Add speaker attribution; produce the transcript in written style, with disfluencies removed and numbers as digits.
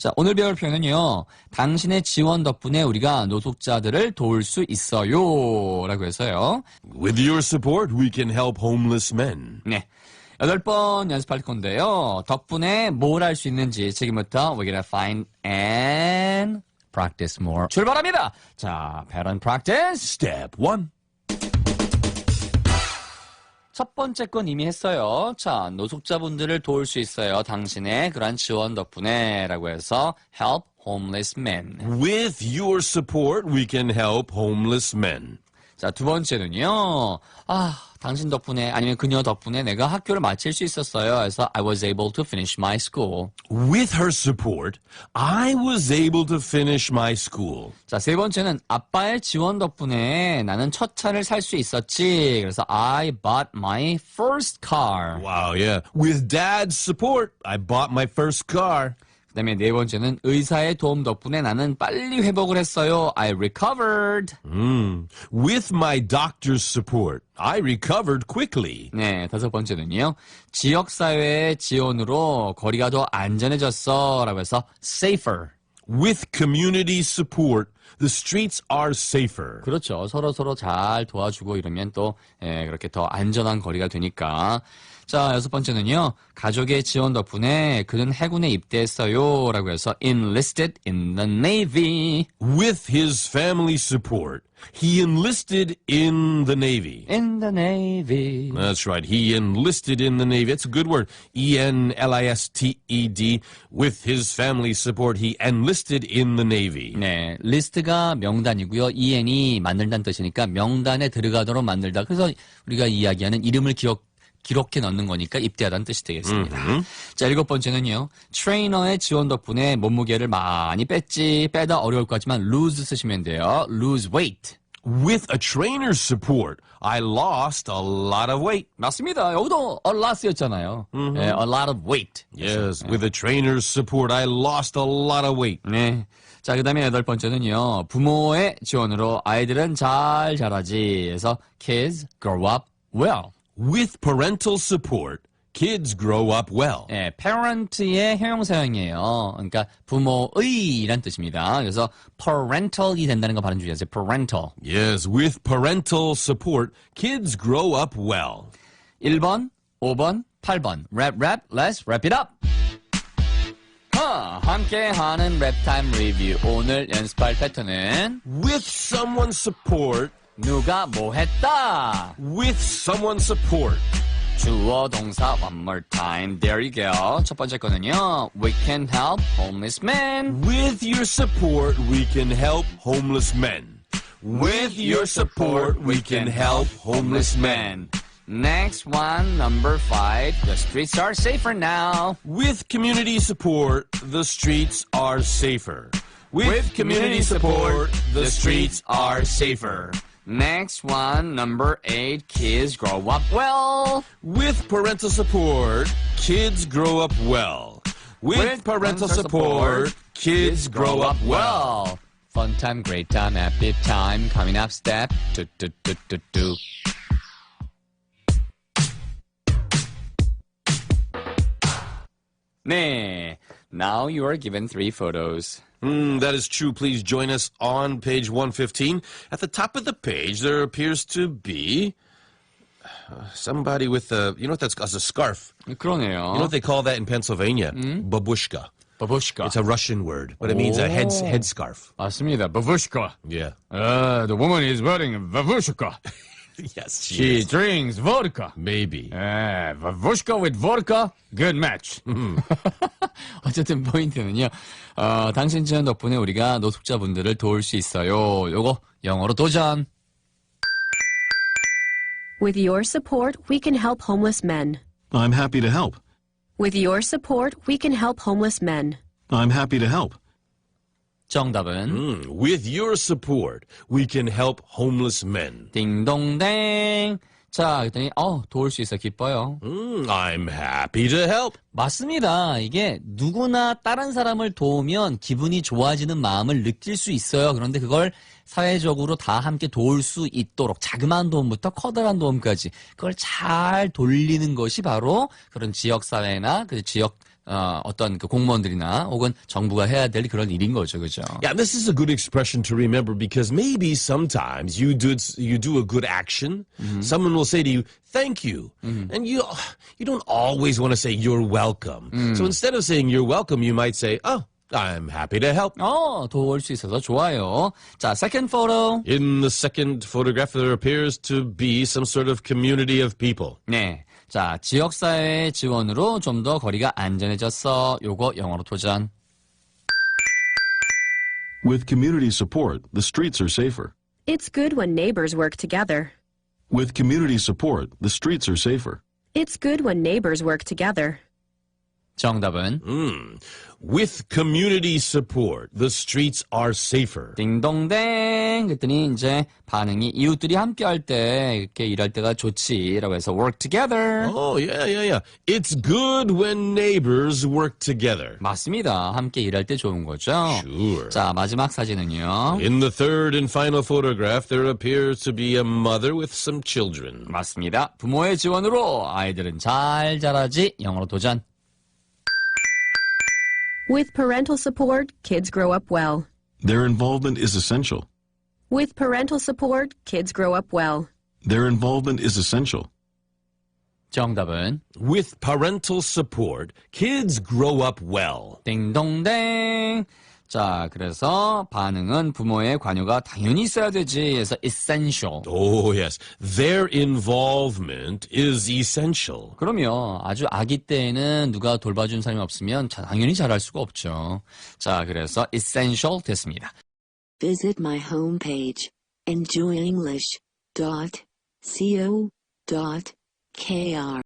Speaker 1: 자, 오늘 배울 표현은요. 당신의 지원 덕분에 우리가 노숙자들을 도울 수 있어요. 라고 해서요.
Speaker 2: With your support, we can help homeless men.
Speaker 1: 네. 8번 연습할 건데요. 덕분에 뭘 할 수 있는지 지금부터 we're gonna find and practice more. 출발합니다. 자, pattern practice.
Speaker 2: Step 1.
Speaker 1: 첫 번째 건 이미 했어요. 자, 노숙자분들을 도울 수 있어요. 당신의 그러한 지원 덕분에 라고 해서 help homeless men.
Speaker 2: With your support, we can help homeless men.
Speaker 1: 자, 두 번째는요. 당신 덕분에 아니면 그녀 덕분에 내가 학교를 마칠 수 있었어요. 그래서 I was able to finish my school.
Speaker 2: With her support, I was able to finish my school.
Speaker 1: 자, 세 번째는 아빠의 지원 덕분에 나는 첫 차를 살 수 있었지. 그래서 I bought my first car.
Speaker 2: Wow, yeah. With dad's support, I bought my first car.
Speaker 1: 그 다음에 네 번째는 의사의 도움 덕분에 나는 빨리 회복을 했어요. I recovered.
Speaker 2: With my doctor's support, I recovered quickly.
Speaker 1: 네, 다섯 번째는요. 지역사회의 지원으로 거리가 더 안전해졌어. 라고 해서 safer.
Speaker 2: With community support, the streets are safer.
Speaker 1: 그렇죠. 서로 잘 도와주고 이러면 또 그렇게 더 안전한 거리가 되니까. 자, 여섯 번째는요. 가족의 지원 덕분에 그는 해군에 입대했어요. 라고 해서 enlisted in the Navy.
Speaker 2: With his family support, he enlisted in the Navy.
Speaker 1: In the Navy.
Speaker 2: That's right. He enlisted in the Navy. It's a good word. E-N-L-I-S-T-E-D. With his family support, he enlisted in the Navy.
Speaker 1: 네, 리스트가 명단이고요. EN이 만들다는 뜻이니까 명단에 들어가도록 만들다. 그래서 우리가 이야기하는 이름을 기록해 넣는 거니까 입대하다는 뜻이 되겠습니다. 자, 일곱 번째는요. 트레이너의 지원 덕분에 몸무게를 많이 뺐지. 빼다 어려울 것 같지만 lose 쓰시면 돼요. lose weight.
Speaker 2: With a trainer's support, I lost a lot of weight.
Speaker 1: 맞습니다. 여기도 a lot였잖아요. 네, a lot of weight.
Speaker 2: Yes, with a trainer's support, I lost a lot of weight.
Speaker 1: 네. 자, 그 다음에 여덟 번째는요. 부모의 지원으로 아이들은 잘 자라지. 그래서 kids grow up well.
Speaker 2: With parental support, kids grow up well.
Speaker 1: 네, parent의 형용사형이에요. 그러니까 부모의란 뜻입니다. 그래서 parental이 된다는 거 발음 주의하세요. parental.
Speaker 2: Yes, with parental support, kids grow up well.
Speaker 1: 1번, 5번, 8번. Rap, let's wrap it up. 함께하는 랩타임 리뷰. 오늘 연습할 패턴은
Speaker 2: With someone's support,
Speaker 1: 누가 뭐 했다.
Speaker 2: with someone's support.
Speaker 1: 주어 동사 one more time. There you go. 첫 번째 거는요. We can help homeless men.
Speaker 2: With your support, we can help homeless men. With your support, we can help homeless men.
Speaker 1: Next one, number 5. The streets are safer now.
Speaker 2: With community support, the streets are safer. With community support, the streets are safer.
Speaker 1: Next one, number 8. Kids grow up well.
Speaker 2: With parental support, kids grow up well. With parental support, kids grow up well.
Speaker 1: Fun time, great time, happy time. Coming up, step 2. 네. Now you are given 3 photos.
Speaker 2: That is true. Please join us on page 115. At the top of the page, there appears to be somebody with a, you know what that's as a scarf.
Speaker 1: 그러네요.
Speaker 2: You know what they call that in Pennsylvania? Babushka.
Speaker 1: 바부시카.
Speaker 2: It's a Russian word, but it means a headscarf.
Speaker 1: 맞습니다. 바부시카.
Speaker 2: Yeah.
Speaker 1: The woman is wearing a babushka.
Speaker 2: Yes,
Speaker 1: She drinks vodka.
Speaker 2: Maybe.
Speaker 1: Babushka with vodka, good match. 어쨌든 포인트는요. 당신 지원 덕분에 우리가 노숙자분들을 도울 수 있어요. 요거 영어로 도전.
Speaker 3: With your support, we can help homeless men.
Speaker 4: I'm happy to help.
Speaker 3: With your support, we can help homeless men.
Speaker 4: I'm happy to help.
Speaker 1: 정답은
Speaker 2: With your support, we can help homeless men.
Speaker 1: 딩동댕. 자, 그랬더니 도울 수 있어 기뻐요.
Speaker 2: I'm happy to help.
Speaker 1: 맞습니다. 이게 누구나 다른 사람을 도우면 기분이 좋아지는 마음을 느낄 수 있어요. 그런데 그걸 사회적으로 다 함께 도울 수 있도록 자그마한 도움부터 커다란 도움까지 그걸 잘 돌리는 것이 바로 그런 지역사회나 그 지역 어떤 그 공무원들이나 혹은 정부가 해야 될 그런 일인 거죠, 그죠?
Speaker 2: Yeah, this is a good expression to remember because maybe sometimes you do a good action, someone will say to you, "Thank you," and you don't always want to say "You're welcome." So instead of saying "You're welcome," you might say, "Oh, I'm happy to help."
Speaker 1: 도울 수 있어서 좋아요. 자, second photo.
Speaker 2: In the second photograph, there appears to be some sort of community of people.
Speaker 1: 네. 자, 지역사회 지원으로 좀 더 거리가 안전해졌어. 요거 영어로 도전.
Speaker 4: With community support, the streets are safer.
Speaker 3: It's good when neighbors work together.
Speaker 4: With community support, the streets are safer.
Speaker 3: It's good when neighbors work together.
Speaker 1: 정답은
Speaker 2: With community support, the streets are safer.
Speaker 1: 딩동댕 그랬더니 이제 반응이 이웃들이 함께 할 때 이렇게 일할 때가 좋지라고 해서 work together.
Speaker 2: Oh, yeah. It's good when neighbors work together.
Speaker 1: 맞습니다. 함께 일할 때 좋은 거죠.
Speaker 2: Sure.
Speaker 1: 자, 마지막 사진은요.
Speaker 2: In the third and final photograph, there appears to be a mother with some children.
Speaker 1: 맞습니다. 부모의 지원으로 아이들은 잘 자라지. 영어로 도전.
Speaker 3: With parental support, kids grow up well.
Speaker 4: Their involvement is essential.
Speaker 3: With parental support, kids grow up well.
Speaker 4: Their involvement is essential.
Speaker 1: 정답은
Speaker 2: With parental support, kids grow up well.
Speaker 1: 딩동댕. 자, 그래서 반응은 부모의 관여가 당연히 있어야 되지. 해서 essential.
Speaker 2: Oh, yes. Their involvement is essential.
Speaker 1: 그럼요. 아주 아기 때에는 누가 돌봐준 사람이 없으면 당연히 잘할 수가 없죠. 자, 그래서 essential 됐습니다.
Speaker 5: Visit my homepage, enjoyenglish.co.kr.